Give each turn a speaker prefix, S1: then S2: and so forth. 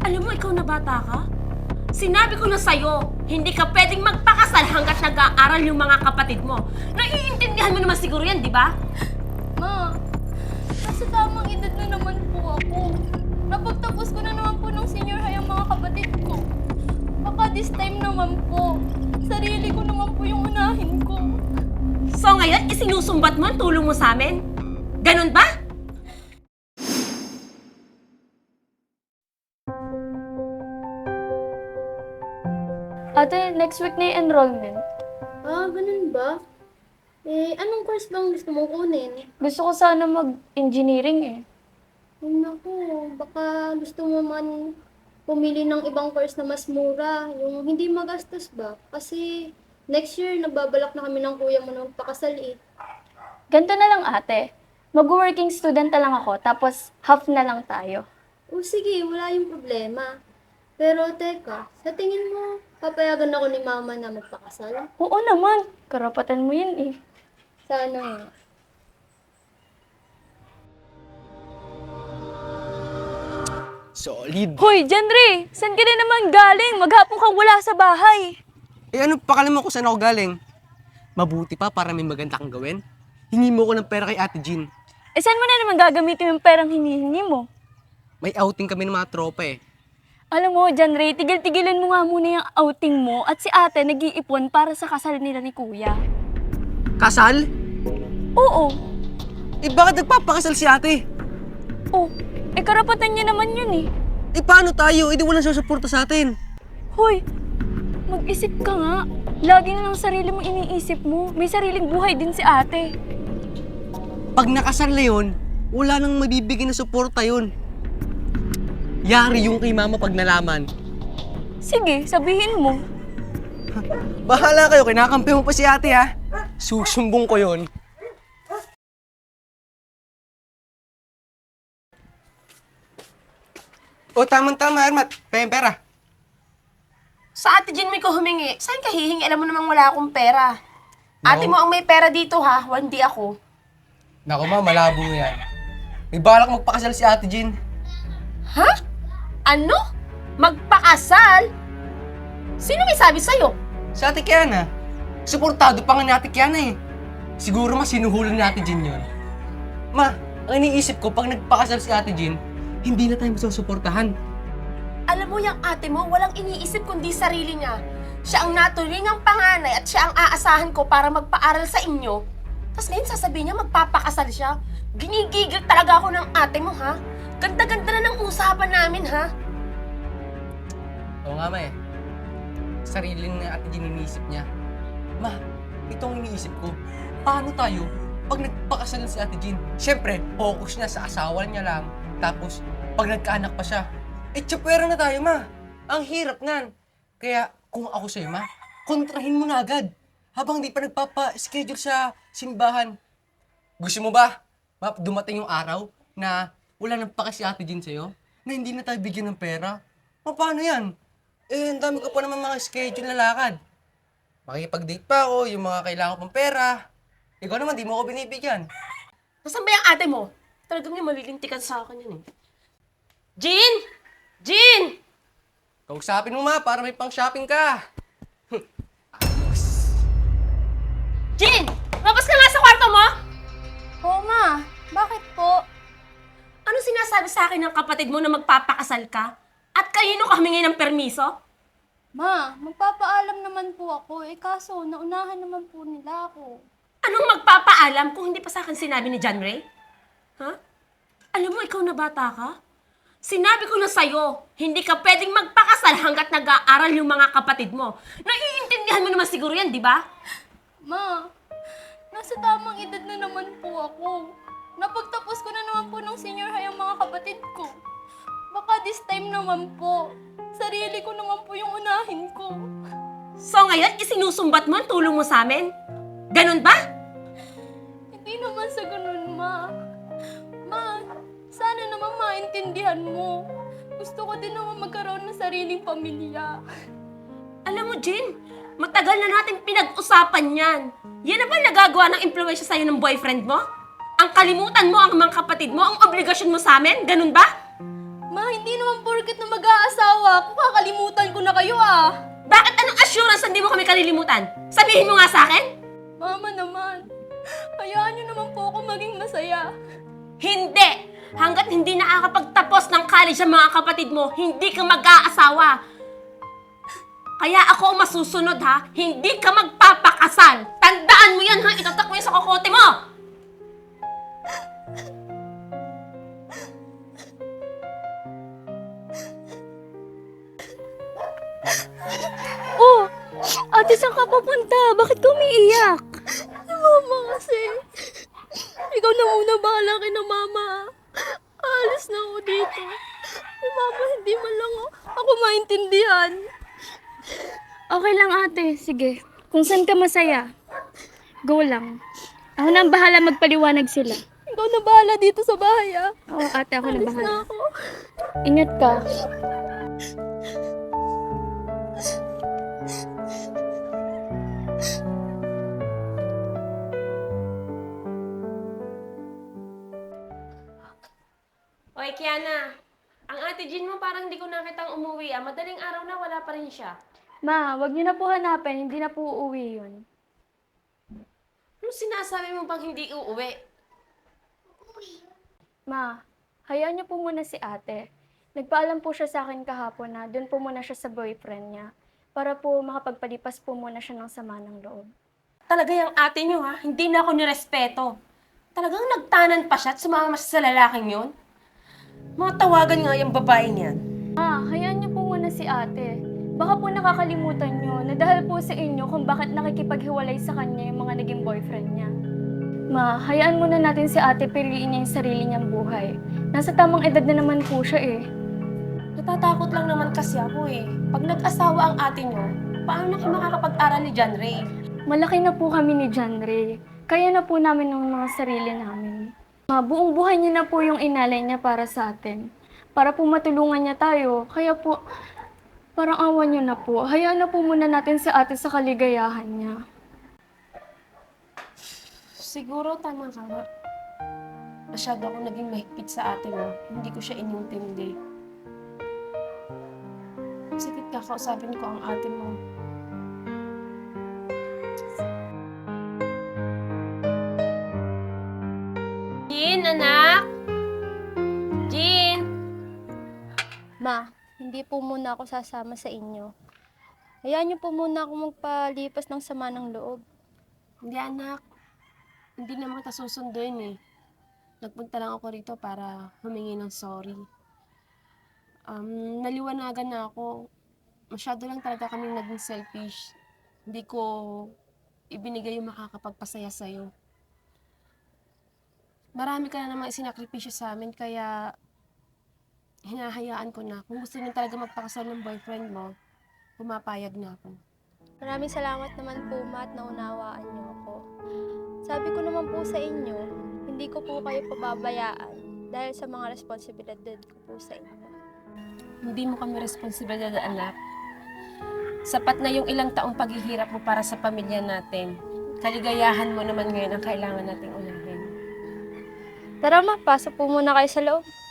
S1: Alam mo, ikaw na bata ka? Sinabi ko na sa'yo, hindi ka pwedeng magpakasal hanggat nag-aaral yung mga kapatid mo. Naiintindihan mo naman siguro yan, di ba?
S2: Ma, nasa tamang edad na naman po ako. Napagtapos ko na naman po ng senior high ang mga kapatid ko. Baka this time naman po, sarili ko naman po yung unahin ko.
S1: So ngayon, isinusumbat mo ang tulong mo sa amin? Ganun ba?
S2: Ate, next week na yung enrollment.
S3: Ah, ganun ba? Anong course bang gusto mong kunin?
S2: Gusto ko sana mag-engineering eh.
S3: Ay, naku, baka gusto mo man pumili ng ibang course na mas mura, yung hindi magastos ba? Kasi next year, nagbabalak na kami ng kuya mo na magpakasal eh.
S2: Ganito na lang ate. Mag-working student na lang ako, tapos half na lang tayo.
S3: O sige, wala yung problema. Pero teka, sa tingin mo, papayagan ako ni mama na magpakasal?
S2: Oo naman, karapatan mo yun eh.
S3: Sana nga.
S4: Solid.
S2: Hoy, Janry! Saan ka na naman galing? Maghapon kang wala sa bahay.
S4: Eh ano pakala mo kung saan ako galing? Mabuti pa para may maganda kang gawin. Hingi mo ko ng pera kay Ate Jean.
S2: Eh, saan mo na naman gagamitin yung perang hinihingi mo?
S4: May outing kami ng mga tropa eh.
S2: Alam mo, Janry, tigil-tigilan mo nga muna yung outing mo at si ate nag-iipon para sa kasal nila ni kuya.
S4: Kasal?
S2: Oo.
S4: Eh bakit nagpapakasal si ate?
S2: Oh, eh karapatan niya naman yun eh.
S4: Eh paano tayo? Eh di walang susuporta sa atin.
S2: Hoy, mag-isip ka nga. Lagi na lang sarili mo iniisip mo. May sariling buhay din si ate.
S4: Pag nakasal na yun, wala nang mabibigyan na suporta yun. Yari yung kay mama pag nalaman.
S2: Sige, sabihin mo.
S4: Bahala kayo, kinakampi mo pa si ate ha. Susumbong ko yun. O tamang-tama, Ermat. Pera.
S1: Sa Ate Jean mo ko humingi. Saan ka hihingi? Alam mo namang wala akong pera. Ate mo ang may pera dito ha, hindi ako.
S4: Naku ma, malabo yan. May balak magpakasal si Ate Jean.
S1: Ha? Ano? Magpakasal? Sino may sabi sa'yo?
S4: Si Ate Kiana. Suportado pa nga ni Ate Kiana eh. Siguro mas sinuhulan ni Ate Jean yun. Ma, ang iniisip ko, pag nagpakasal si Ate Jean, hindi na tayo masusuportahan.
S1: Alam mo, yung ate mo, walang iniisip kundi sarili niya. Siya ang natulingang panganay at siya ang aasahan ko para magpaaral sa inyo. Tapos ngayon sasabihin niya magpapakasal siya. Ginigigil talaga ako ng ate mo, ha? Ganda-ganda na ng usapan namin, ha?
S4: Oo nga ma eh. Sarili na Ate Jean iniisip niya. Ma, itong iniisip ko, paano tayo pag nagpakasal si Ate Jean? Siyempre, focus niya sa asawa niya lang. Tapos, pag nagkaanak pa siya, eh, tsapwera na tayo, ma. Ang hirap nan. Kaya, kung ako sa'yo, ma, kontrahin mo na agad. Habang di pa nagpapa-schedule sa simbahan. Gusto mo ba, ma, dumating yung araw na wala nang pake si Ate Jean sa'yo? Na hindi na tayo bigyan ng pera? Ma, paano yan? Eh, ang dami ko pa naman mga schedule na lakad. Makikipag-date pa ako, yung mga kailangan ko pang pera. Ikaw naman, di mo ako binibigyan.
S1: Nasaan ba yung ate mo? Talagang yung malilintikan sa akin yan, eh. Jean! Jean!
S4: Kausapin mo, ma, para may pang-shopping ka.
S1: Jean! Labas ka nga sa kwarto mo!
S2: Oo ma, bakit po?
S1: Ano sinasabi sa akin ng kapatid mo na magpapakasal ka? At kanino ka humingi ng permiso?
S2: Ma, magpapaalam naman po ako. Eh kaso, naunahan naman po nila ako.
S1: Anong magpapaalam kung hindi pa sa akin sinabi ni John Ray? Ha? Alam mo, ikaw na bata ka? Sinabi ko na sa'yo, hindi ka pwedeng magpakasal hanggat nag-aaral yung mga kapatid mo. Naiintindihan mo naman siguro yan, di ba?
S2: Ma, nasa tamang edad na naman po ako. Napagtapos ko na naman po ng senior high ang mga kapatid ko. Baka this time naman po, sarili ko naman po yung unahin ko.
S1: So ngayon, isinusumbat mo ang tulong mo sa amin? Ganun ba?
S2: Hindi naman sa ganun, ma. Ma, sana naman maintindihan mo. Gusto ko din naman magkaroon ng sariling pamilya.
S1: Alam mo, Jean, matagal na natin pinag-usapan yan. Yan na ba nagagawa ng impluwensya sa'yo ng boyfriend mo? Ang kalimutan mo ang mga kapatid mo, ang obligasyon mo sa amin? Ganun ba?
S2: Ma, hindi naman porket na mag-aasawa ako, kakalimutan ko na kayo
S1: Bakit anong assurance na hindi mo kami kalilimutan? Sabihin mo nga sa akin?
S2: Mama naman, hayaan niyo naman po ako maging masaya.
S1: Hindi! Hanggat hindi nakakapagtapos ng college ang mga kapatid mo, hindi ka mag-aasawa. Kaya ako ang masusunod ha, hindi ka magpapakasal. Tandaan mo yan ha, itatak mo yan sa kokote mo!
S2: Oh, ate, saan ka papunta? Bakit ka umiiyak? Mama kasi. Ikaw na muna bahala kay na mama. Alis na ako dito. Si mama hindi man lang ako maintindihan.
S5: Okay lang ate, sige. Kung saan ka masaya, go lang. Ako na ang bahala magpaliwanag sila.
S2: Ikaw na bahala dito sa bahay
S5: Oo ate, ako na
S2: Alis
S5: bahala.
S2: na ako.
S5: Ingat ka.
S1: Oy, Kiana, ang ate Jean mo parang hindi ko nakitang umuwi Madaling araw na, wala pa rin siya.
S5: Ma, wag niyo na po hanapin, hindi na po uuwi yun.
S1: Ano sinasabi mo bang hindi uuwi?
S5: Ma, hayaan niyo po muna si ate. Nagpaalam po siya sa akin kahapon na doon po muna siya sa boyfriend niya para po makapagpalipas po muna siya ng sama ng loob.
S1: Talaga yung ate niyo ha, hindi na ako nirespeto. Talagang nagtanan pa siya at sumama siya sa lalaking yun? Mga tawagan nga yung babae niyan.
S5: Ma, hayaan niyo po muna si ate. Baka po nakakalimutan niyo na dahil po sa inyo kung bakit nakikipaghiwalay sa kanya yung mga naging boyfriend niya. Ma, hayaan muna natin si ate piliin niya yung sarili niyang buhay. Nasa tamang edad na naman po siya eh.
S1: Natatakot lang naman kasi ako eh. Pag nag-asawa ang ate niyo, paano na kayo makakapag-aral ni John Ray?
S5: Malaki na po kami ni John Ray. Kaya na po namin ng mga sarili namin. Ma, buong buhay niya na po yung inalay niya para sa atin. Para po matulungan niya tayo. Kaya po, parang awa niyo na po. Hayaan na po muna natin si ate sa kaligayahan niya.
S1: Siguro tama ka nga. Masyado ako naging mahigpit sa ate mo. Hindi ko siya inintindi. Sige, kakausapin ko ang ate mo. Jean, anak! Jean!
S3: Ma, hindi po muna ako sasama sa inyo. Hayaan niyo po muna ako magpalipas ng sama ng loob.
S1: Hindi, anak. Hindi naman kita susunduin eh. Nagpunta lang ako rito para humingi ng sorry. Naliwanagan na ako. Masyado lang talaga kaming naging selfish. Hindi ko ibinigay yung makakapagpasaya sa'yo. Marami ka na namang isinakripisyo sa amin, kaya hinahayaan ko na. Kung gusto niyo talaga magpakasal ng boyfriend mo, pumapayag na ako.
S3: Maraming salamat naman po, Ma, at naunawaan niyo ako. Sabi ko naman po sa inyo, hindi ko po kayo pababayaan dahil sa mga responsibilidad ko po sa inyo.
S1: Hindi mo kami responsibilidad, anak. Sapat na yung ilang taong paghihirap mo para sa pamilya natin. Kaligayahan mo naman ngayon ang kailangan nating unahin.
S3: Tara, Ma, pasok po muna kayo sa loob.